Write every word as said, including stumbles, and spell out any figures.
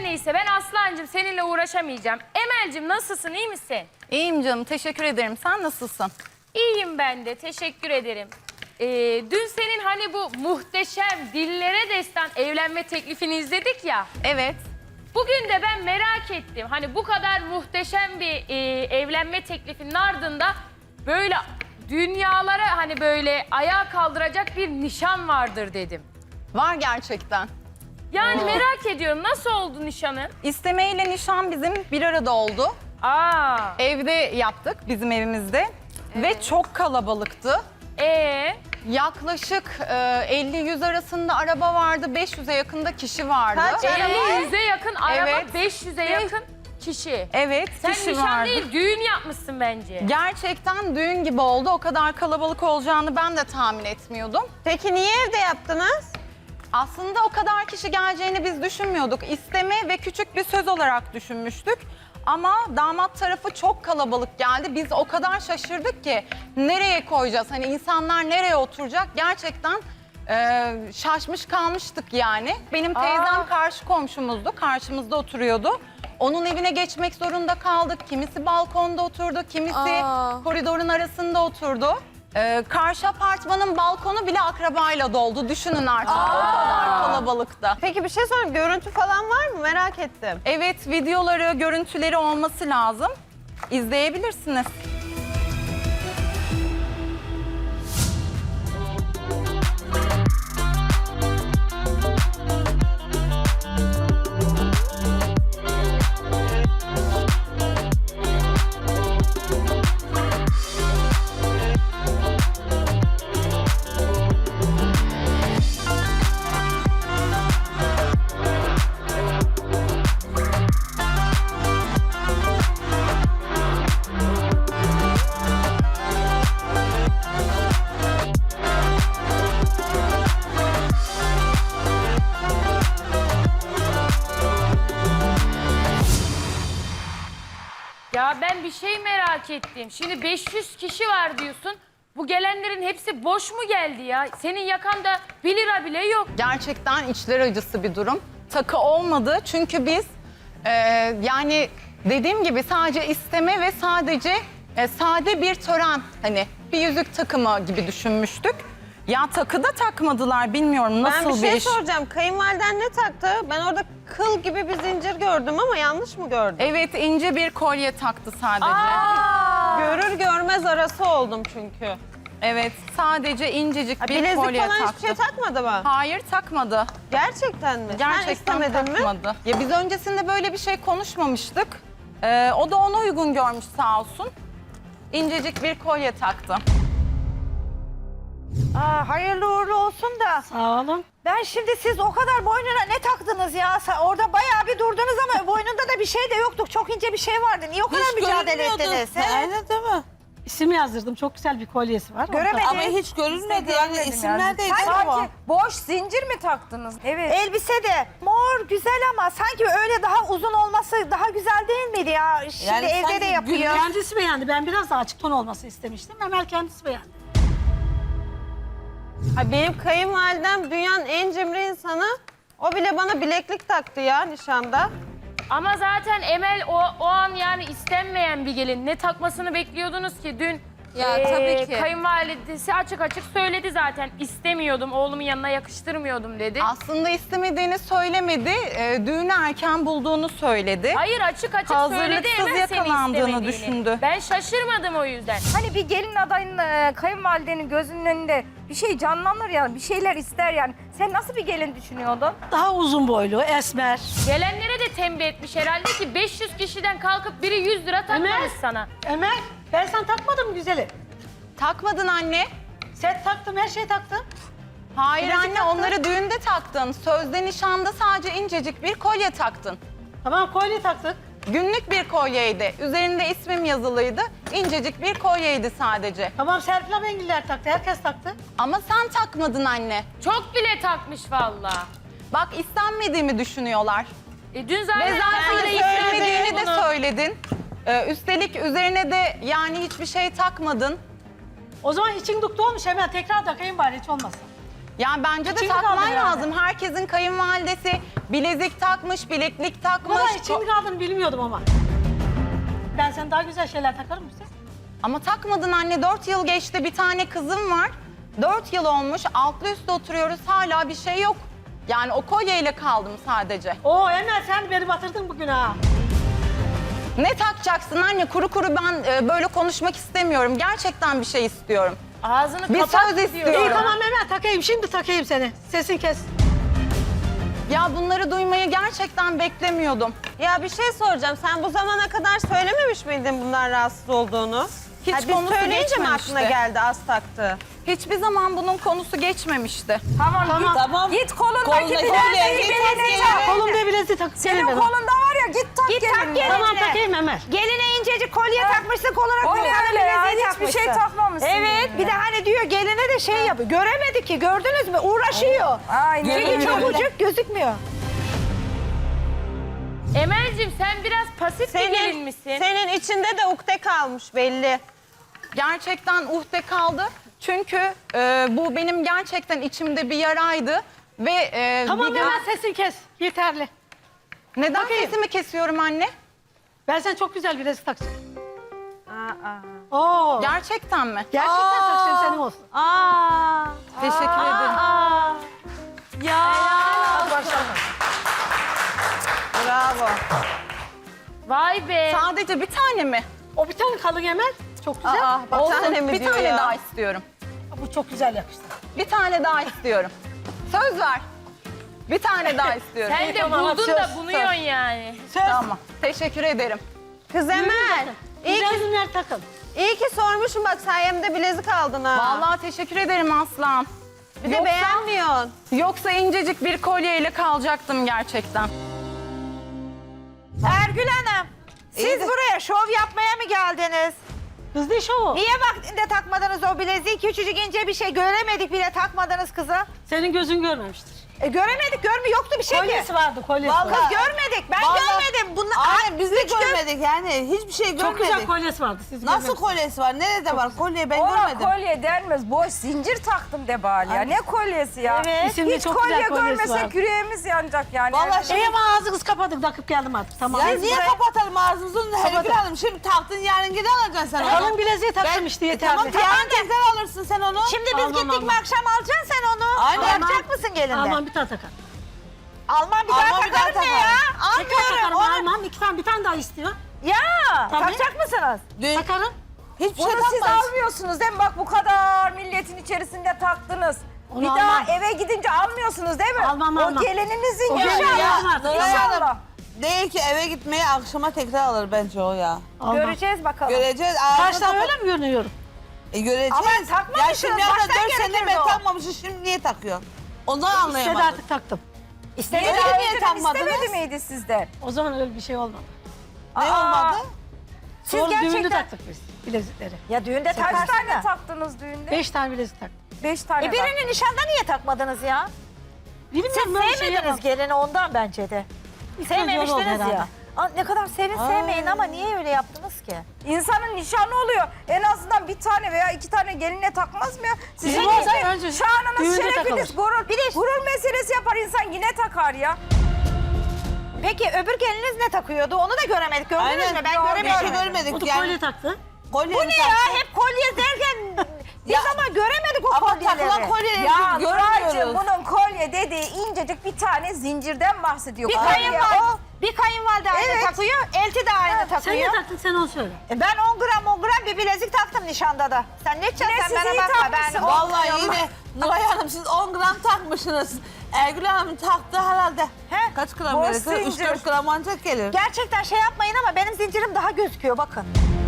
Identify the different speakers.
Speaker 1: iyisi. Ben Aslancığım seninle uğraşamayacağım. Emel'cim nasılsın, iyi misin?
Speaker 2: İyiyim canım, teşekkür ederim. Sen nasılsın?
Speaker 1: İyiyim ben de, teşekkür ederim. Ee, dün senin hani bu muhteşem dillere destan evlenme teklifini izledik ya.
Speaker 2: Evet.
Speaker 1: Bugün de ben merak ettim. Hani bu kadar muhteşem bir e, evlenme teklifinin ardında böyle dünyalara hani böyle ayağa kaldıracak bir nişan vardır dedim.
Speaker 2: Var gerçekten.
Speaker 1: Yani merak ediyorum, nasıl oldu nişanın?
Speaker 2: İstemeyle nişan bizim bir arada oldu.
Speaker 1: Aa,
Speaker 2: Evde yaptık, bizim evimizde. Ve çok kalabalıktı.
Speaker 1: ee,
Speaker 2: Yaklaşık e, elli yüz arasında araba vardı, beş yüze yakında kişi vardı.
Speaker 3: Kaç araba?
Speaker 1: elli yüze yakın araba,
Speaker 2: Evet.
Speaker 1: beş yüze yakın kişi.
Speaker 2: Evet,
Speaker 1: Sen
Speaker 2: kişi
Speaker 1: nişan
Speaker 2: vardı.
Speaker 1: değil, düğün yapmışsın bence.
Speaker 2: Gerçekten düğün gibi oldu. O kadar kalabalık olacağını ben de tahmin etmiyordum.
Speaker 3: Peki niye evde yaptınız?
Speaker 2: Aslında o kadar kişi geleceğini biz düşünmüyorduk. İsteme ve küçük bir söz olarak düşünmüştük. Ama damat tarafı çok kalabalık geldi. Biz o kadar şaşırdık ki nereye koyacağız? Hani insanlar nereye oturacak? Gerçekten e, şaşmış kalmıştık yani. Benim teyzem
Speaker 1: Aa.
Speaker 2: karşı komşumuzdu. Karşımızda oturuyordu. Onun evine geçmek zorunda kaldık. Kimisi balkonda oturdu, kimisi
Speaker 3: Aa.
Speaker 2: koridorun arasında oturdu. Ee, karşı apartmanın balkonu bile akrabayla doldu. Düşünün artık o kadar kalabalıkta.
Speaker 3: Peki bir şey sorayım. Görüntü falan var mı? Merak ettim.
Speaker 2: Evet, videoları, görüntüleri olması lazım. İzleyebilirsiniz.
Speaker 1: Ya ben bir şey merak ettim. Şimdi beş yüz kişi var diyorsun. Bu gelenlerin hepsi boş mu geldi ya? Senin yakanda bir lira bile yok.
Speaker 2: Gerçekten içler acısı bir durum. Takı olmadı çünkü biz e, yani dediğim gibi sadece isteme ve sadece e, sade bir tören, hani bir yüzük takımı gibi düşünmüştük. Ya takı da takmadılar, bilmiyorum nasıl
Speaker 3: Ben bir şey
Speaker 2: iş.
Speaker 3: soracağım. Kayınvaliden ne taktı? Ben orada kıl gibi bir zincir gördüm ama yanlış mı gördüm?
Speaker 2: Evet, ince bir kolye taktı sadece.
Speaker 1: Aa!
Speaker 3: Görür görmez arası oldum çünkü.
Speaker 2: Evet, sadece incecik
Speaker 3: Ha,
Speaker 2: bir
Speaker 3: bilezik
Speaker 2: kolye
Speaker 3: falan
Speaker 2: taktı.
Speaker 3: hiçbir şey takmadı mı?
Speaker 2: Hayır, takmadı.
Speaker 3: Gerçekten mi? Sen
Speaker 2: Gerçekten
Speaker 3: istemedin mi?
Speaker 2: takmadı. Ya biz öncesinde böyle bir şey konuşmamıştık. Ee, o da ona uygun görmüş sağ olsun. İncecik bir kolye taktı.
Speaker 4: Aa, hayırlı uğurlu olsun da.
Speaker 5: Sağ olun.
Speaker 4: Ben şimdi siz o kadar boynuna ne taktınız ya? Sa- Orada bayağı bir durdunuz ama boynunda da bir şey de yoktu. Çok ince bir şey vardı. Niye o kadar mücadele ettiniz? he?
Speaker 5: Aynen değil mi? İsim yazdırdım. Çok güzel bir kolyesi var.
Speaker 4: Göremedim.
Speaker 6: Ama hiç görünmedi yani isimlerde
Speaker 4: Sanki
Speaker 6: boş zincir mi taktınız?
Speaker 4: evet. Elbise de mor güzel ama sanki öyle daha uzun olması daha güzel değil miydi ya? Şimdi
Speaker 6: Yani
Speaker 4: evde
Speaker 6: sanki
Speaker 4: de yapıyor.
Speaker 5: Kendisi beğendi. Ben biraz daha açık ton olması istemiştim. Emel kendisi beğendi.
Speaker 3: Ha, benim kayınvalidem dünyanın en cimri insanı. O bile bana bileklik taktı ya nişanda.
Speaker 1: Ama zaten Emel o, o an yani istenmeyen bir gelin. Ne takmasını bekliyordunuz ki dün?
Speaker 6: Ya,
Speaker 1: eee,
Speaker 6: tabii ki.
Speaker 1: Kayınvalidesi açık açık söyledi zaten. İstemiyordum, oğlumun yanına yakıştırmıyordum dedi.
Speaker 2: Aslında istemediğini söylemedi, e, düğünü erken bulduğunu söyledi.
Speaker 1: Hayır, açık açık söyledi,
Speaker 2: Hazırlıksız
Speaker 1: Emel seni
Speaker 2: yakalandığını
Speaker 1: istemediğini.
Speaker 2: düşündü.
Speaker 1: Ben şaşırmadım o yüzden.
Speaker 7: Hani bir gelin adayının e, kayınvalidenin gözünün önünde bir şey canlanır yani, bir şeyler ister yani. Sen nasıl bir gelin düşünüyordun?
Speaker 5: Daha uzun boylu, esmer.
Speaker 1: Gelenlere de tembih etmiş herhalde ki beş yüz kişiden kalkıp biri yüz lira takmamış
Speaker 5: Emel.
Speaker 1: sana.
Speaker 5: Emel, ben sana takmadım mı güzeli?
Speaker 2: Takmadın anne.
Speaker 5: Set taktım, her şeyi taktım.
Speaker 2: Hayır
Speaker 5: Bilezik
Speaker 2: anne,
Speaker 5: taktın.
Speaker 2: onları düğünde taktın. Sözde nişanda sadece incecik bir kolye taktın.
Speaker 5: Tamam, kolye taktık.
Speaker 2: Günlük bir kolyeydi. Üzerinde ismim yazılıydı. İncecik bir kolyeydi sadece.
Speaker 5: Tamam, Serpil Abengiller taktı, herkes taktı.
Speaker 2: Ama sen takmadın anne.
Speaker 1: Çok bile takmış vallahi.
Speaker 2: Bak, istenmediğimi düşünüyorlar.
Speaker 1: E dün
Speaker 2: Ve
Speaker 1: zaten
Speaker 2: zaten
Speaker 1: herkes
Speaker 2: istemediğini de
Speaker 3: bunu.
Speaker 2: söyledin. Ee, üstelik üzerine de yani hiçbir şey takmadın.
Speaker 5: O zaman için duktu olmuş Emel. Tekrar takayım bari hiç olmasın.
Speaker 2: Yani bence de
Speaker 5: İçim
Speaker 2: takman
Speaker 5: kaldı yani.
Speaker 2: lazım. Herkesin kayınvalidesi bilezik takmış, bileklik
Speaker 5: Bu
Speaker 2: takmış.
Speaker 5: kadar içim kaldığını bilmiyordum ama. Ben sen daha güzel şeyler takarım mısın?
Speaker 2: Ama takmadın anne. Dört yıl geçti. Bir tane kızım var. Dört yıl olmuş. Altlı üstte oturuyoruz. Hala bir şey yok. Yani o kolyeyle kaldım sadece.
Speaker 5: Oo Emel sen beni batırdın bugün ha.
Speaker 2: Ne takacaksın anne? Kuru kuru ben e, böyle konuşmak istemiyorum. Gerçekten bir şey istiyorum.
Speaker 1: Ağzını
Speaker 2: Bir
Speaker 1: kapat
Speaker 2: söz
Speaker 1: diyor.
Speaker 2: istiyorum.
Speaker 5: İyi tamam Emel takayım şimdi takayım seni. Sesin kes.
Speaker 2: Ya bunları duymayı gerçekten beklemiyordum.
Speaker 3: Ya bir şey soracağım. Sen bu zamana kadar söylememiş miydin bundan rahatsız olduğunu?
Speaker 2: Hiç
Speaker 3: Ha, biz
Speaker 2: konusu
Speaker 3: söyleyince mi
Speaker 2: geçmemişti.
Speaker 3: aklına geldi az taktı?
Speaker 2: Hiçbir zaman bunun konusu geçmemişti.
Speaker 7: Tamam,
Speaker 5: Tamam.
Speaker 6: Tamam.
Speaker 7: git kolundaki
Speaker 6: Kolundaki
Speaker 7: bileziği
Speaker 6: bileziği
Speaker 7: beline
Speaker 6: tak.
Speaker 7: tak.
Speaker 5: Kolumda bileziği tak.
Speaker 7: Senin kolunda var ya git tak
Speaker 4: Git tak
Speaker 7: gelinine.
Speaker 4: gelinine.
Speaker 5: Tamam takayım Emel.
Speaker 4: Geline incecik kolye takmışsın, kol olarak
Speaker 7: O ne
Speaker 4: koluna
Speaker 7: öyle ya?
Speaker 4: bileziği
Speaker 7: Hiçbir şey
Speaker 4: takmışsın.
Speaker 7: takmamışsın.
Speaker 4: Evet, bir de hani diyor geline de şey yapıyor. Göremedik ki, gördünüz mü? Uğraşıyor.
Speaker 7: Aynen
Speaker 4: Çünkü
Speaker 7: öyle.
Speaker 4: çabucak gözükmüyor.
Speaker 1: Emel'cim sen biraz pasif bir gelin
Speaker 3: Senin,
Speaker 1: misin?
Speaker 3: senin içinde de ukde kalmış belli.
Speaker 2: Gerçekten uhde kaldı. Çünkü e, bu benim gerçekten içimde bir yaraydı. Ve e,
Speaker 5: Tamam
Speaker 2: bir
Speaker 5: Emel sesin kes. Yeterli.
Speaker 2: neden sesimi kesiyorum anne?
Speaker 5: Ben sen çok güzel bilezik takacağım.
Speaker 3: Aa,
Speaker 5: Oo.
Speaker 2: Gerçekten mi?
Speaker 5: Gerçekten takacağım senin olsun.
Speaker 3: aa.
Speaker 2: Teşekkür ederim.
Speaker 3: Aa. Ya. Bravo.
Speaker 1: Vay be.
Speaker 2: Sadece bir tane mi?
Speaker 5: O bir tane kalın Emel. Çok güzel.
Speaker 3: Aa, bir
Speaker 2: Olsun.
Speaker 3: tane mi
Speaker 2: bir
Speaker 3: diyor
Speaker 2: tane
Speaker 3: ya?
Speaker 2: daha istiyorum.
Speaker 5: Bu çok güzel yakıştı.
Speaker 2: Bir tane daha istiyorum. Söz ver. Bir tane daha istiyorum.
Speaker 1: Sen de
Speaker 5: Tamam,
Speaker 1: buldun
Speaker 5: söz,
Speaker 1: da bunuyorsun yani.
Speaker 2: Tamam. Teşekkür ederim.
Speaker 3: Kız Emel. İyi
Speaker 5: Güzel
Speaker 3: ki,
Speaker 5: günler takın.
Speaker 3: iyi ki sormuşum bak sayemde bilezik aldın ha.
Speaker 2: Vallahi teşekkür ederim Aslan.
Speaker 3: bir de
Speaker 2: yoksa-
Speaker 3: beğenmiyorsun.
Speaker 2: Yoksa incecik bir kolyeyle kalacaktım gerçekten.
Speaker 4: Ergül Hanım, siz
Speaker 3: İyi de-
Speaker 4: buraya şov yapmaya mı geldiniz?
Speaker 5: Kız ne şovu?
Speaker 4: Niye vaktinde takmadınız o bileziği? Küçücük ince bir şey göremedik bile takmadınız kıza.
Speaker 5: Senin gözün görmemiştir.
Speaker 4: E, göremedik, görmüyor. Yoktu bir şey ki.
Speaker 5: Kolyesi vardı kolyesi.
Speaker 3: Vallahi-
Speaker 5: vardı.
Speaker 4: Kız görmedik, ben
Speaker 6: Vallahi-
Speaker 4: görmedim. Bunlar,
Speaker 6: Aynen biz de
Speaker 4: Üç gör-
Speaker 6: görmedik yani. Hiçbir şey görmedik.
Speaker 5: Çok güzel kolyesi vardı. Siz
Speaker 6: Nasıl
Speaker 5: görmediniz.
Speaker 6: kolyesi var? Nerede var? Kolyeyi ben
Speaker 7: Ona
Speaker 6: görmedim.
Speaker 7: kolye denmez. Boş zincir taktım de bari ya. Ne kolyesi ya?
Speaker 4: Evet.
Speaker 5: İsimli
Speaker 7: Hiç
Speaker 5: çok
Speaker 7: kolye
Speaker 5: güzel kolyesi
Speaker 7: görmesek
Speaker 5: var.
Speaker 7: yüreğimiz yanacak yani.
Speaker 6: Vallahi
Speaker 5: İyi ama ağzınızı kapadık takıp geldim artık. Tamam.
Speaker 6: Ya niye kapatalım ağzımızı? Hergül Hanım şimdi taktın yarın geri alacaksın sen onu.
Speaker 5: Kalın bileziği taktım işte
Speaker 6: E,
Speaker 5: yeterli.
Speaker 6: tamam yarın tekrar alırsın sen onu.
Speaker 4: Şimdi biz
Speaker 5: Almam,
Speaker 4: gittik mi
Speaker 5: almam.
Speaker 4: akşam alacaksın sen onu.
Speaker 6: Aynen.
Speaker 4: Yapacak mısın gelinde?
Speaker 5: Almam bir tane takar.
Speaker 4: Alman bir daha
Speaker 6: Alman bir daha
Speaker 4: takarım ne
Speaker 6: takarım.
Speaker 4: ya?
Speaker 5: Tekrar takarım
Speaker 4: Almıyorum. Onu...
Speaker 5: almam. İki tane bir tane daha istiyor.
Speaker 4: Ya
Speaker 5: Tabii.
Speaker 4: takacak mısınız?
Speaker 6: Dün
Speaker 5: Takarım.
Speaker 6: hiçbir şey
Speaker 7: Bunu siz
Speaker 6: takmadın.
Speaker 7: almıyorsunuz değil mi? Bak bu kadar milletin içerisinde taktınız.
Speaker 5: Onu
Speaker 7: bir
Speaker 5: almam.
Speaker 7: daha eve gidince almıyorsunuz değil mi?
Speaker 5: Almam,
Speaker 7: o
Speaker 5: almam.
Speaker 7: gelininizin
Speaker 5: O
Speaker 7: ya.
Speaker 5: gelin
Speaker 7: İnşallah.
Speaker 5: yardım artık.
Speaker 6: Nuray Hanım
Speaker 7: İnşallah.
Speaker 6: değil ki eve gitmeye akşama tekrar alır bence o ya.
Speaker 5: Almam.
Speaker 4: Göreceğiz bakalım.
Speaker 6: Göreceğiz. ağzını
Speaker 5: Kaç tane
Speaker 6: kapat-
Speaker 5: öyle mi görünüyorum?
Speaker 6: E, göreceğiz.
Speaker 4: Ama
Speaker 6: Ya
Speaker 4: takmamışsınız,
Speaker 6: şimdi abla
Speaker 4: baştan
Speaker 6: dört senedir
Speaker 4: gerekirdi
Speaker 6: ben
Speaker 4: o.
Speaker 6: takmamışım şimdi niye takıyorsun? Ondan
Speaker 5: İstedi
Speaker 6: anlayamadım.
Speaker 5: artık taktım.
Speaker 7: İstedi
Speaker 6: Niye
Speaker 7: daha
Speaker 6: niye
Speaker 7: önceden
Speaker 6: takmadınız?
Speaker 7: istemedi miydi sizden?
Speaker 5: O zaman öyle bir şey olmadı.
Speaker 6: Ne
Speaker 7: Aa.
Speaker 6: olmadı?
Speaker 7: Siz
Speaker 5: Sonra düğünde
Speaker 7: gerçekten...
Speaker 5: taktık biz bilezikleri.
Speaker 4: Ya düğünde
Speaker 7: Kaç
Speaker 4: takarsın
Speaker 7: tane
Speaker 4: da.
Speaker 7: taktınız düğünde?
Speaker 5: Beş tane bilezik taktık.
Speaker 7: Beş tane
Speaker 4: E birini nişanda niye takmadınız ya?
Speaker 5: Bilmiyorum
Speaker 4: Siz
Speaker 5: böyle şey
Speaker 4: sevmediniz
Speaker 5: yapamam.
Speaker 4: gelini ondan bence de.
Speaker 5: İlk önce oldu
Speaker 4: Sevmemiştiniz
Speaker 5: herhalde.
Speaker 4: ya. Aa, ne kadar sevin sevmeyin ama niye öyle yaptınız ki?
Speaker 7: İnsanın nişanı oluyor. En azından bir tane veya iki tane geline takmaz mı ya? Sizin
Speaker 5: Bizim olsa
Speaker 7: işte
Speaker 5: önce
Speaker 7: şanınız,
Speaker 5: düğünde
Speaker 7: şerefiniz,
Speaker 5: takılır.
Speaker 7: gurur, bir de gurur meselesi yapar insan yine takar ya.
Speaker 4: Peki öbür geliniz ne takıyordu? Onu da göremedik. Gördünüz
Speaker 6: Aynen.
Speaker 4: mü? Ben
Speaker 6: Bir
Speaker 4: göremiyorum.
Speaker 6: şey görmedik
Speaker 5: O da
Speaker 6: yani.
Speaker 5: kolye taktı.
Speaker 6: Kolye
Speaker 4: Bu ne ya? Hep kolye derken biz
Speaker 6: Ya-
Speaker 4: ama göremedik o
Speaker 6: Ama
Speaker 4: kolyeleri.
Speaker 6: takılan kolyeleri
Speaker 7: Ya
Speaker 6: biz
Speaker 7: Nuraycığım
Speaker 6: görmüyoruz.
Speaker 7: bunun kolye dediği incecik bir tane zincirden bahsediyor.
Speaker 4: Bir
Speaker 7: Kolye
Speaker 4: kayınvalide,
Speaker 7: o.
Speaker 4: bir kayınvalide aynı
Speaker 7: Evet.
Speaker 4: takıyor, elti de aynı
Speaker 5: Sen ne
Speaker 4: takıyor.
Speaker 5: taktın sen onu söyle.
Speaker 4: E ben on gram on gram bir bilezik taktım nişanda da. Sen ne
Speaker 7: Yine
Speaker 4: içeceksin
Speaker 7: siz
Speaker 4: bana
Speaker 7: iyi
Speaker 4: bakma. Ben
Speaker 7: takmışsınız.
Speaker 4: on
Speaker 6: Vallahi
Speaker 4: gram-
Speaker 6: yine Nuray Hanım siz on gram takmışsınız. Ergül Hanım taktı herhalde.
Speaker 4: He?
Speaker 6: Kaç gram
Speaker 7: Boş
Speaker 6: gelir? üç
Speaker 7: zincir.
Speaker 6: dört gram ancak gelir.
Speaker 4: Gerçekten şey yapmayın ama benim zincirim daha gözüküyor bakın.